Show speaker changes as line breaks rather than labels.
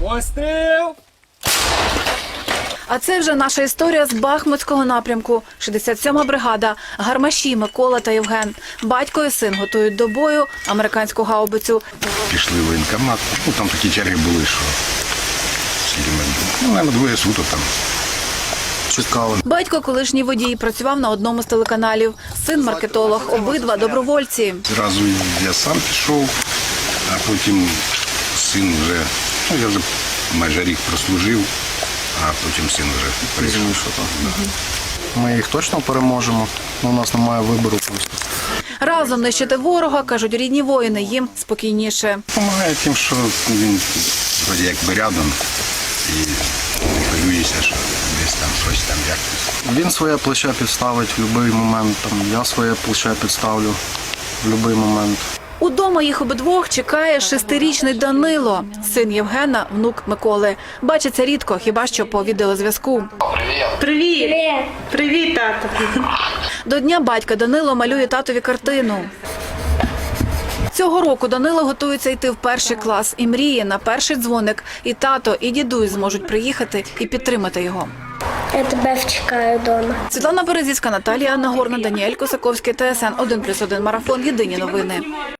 Постріл!
А це вже наша історія з Бахмутського напрямку. 67-ма бригада, гармаші Микола та Євген. Батько і син готують до бою американську гаубицю.
Пішли в воєнкомат. Ну, там такі черги були, що скільки ми, ну, навіть двоє суток там чекали.
Батько колишній водій, працював на одному з телеканалів. Син маркетолог, обидва добровольці.
Зразу я сам пішов, а потім син вже, ну я вже майже рік прослужив, а потім син вже прийшов.
Ми їх точно переможемо, у нас немає вибору просто.
Разом нищити ворога, кажуть рідні воїни, їм спокійніше.
Помагає тим, що він вроді якби рядом і не хвилюєшся, що десь там щось там якось.
Він своє плече підставить в будь-який момент, там, я своє плече підставлю в будь-який момент.
Удома їх обидвох чекає 6-річний Данило, син Євгена, внук Миколи. Бачиться рідко, хіба що по відеозв'язку.
Привіт! Привіт, тато!
До дня батька Данило малює татові картину. Цього року Данило готується йти в 1-й клас і мріє на перший дзвоник. І тато, і дідусь зможуть приїхати і підтримати його.
Я тебе чекаю вдома.
Світлана Березівська, Наталія Нагорна, Даніель Косаковський, ТСН 1+1 Марафон. Єдині новини.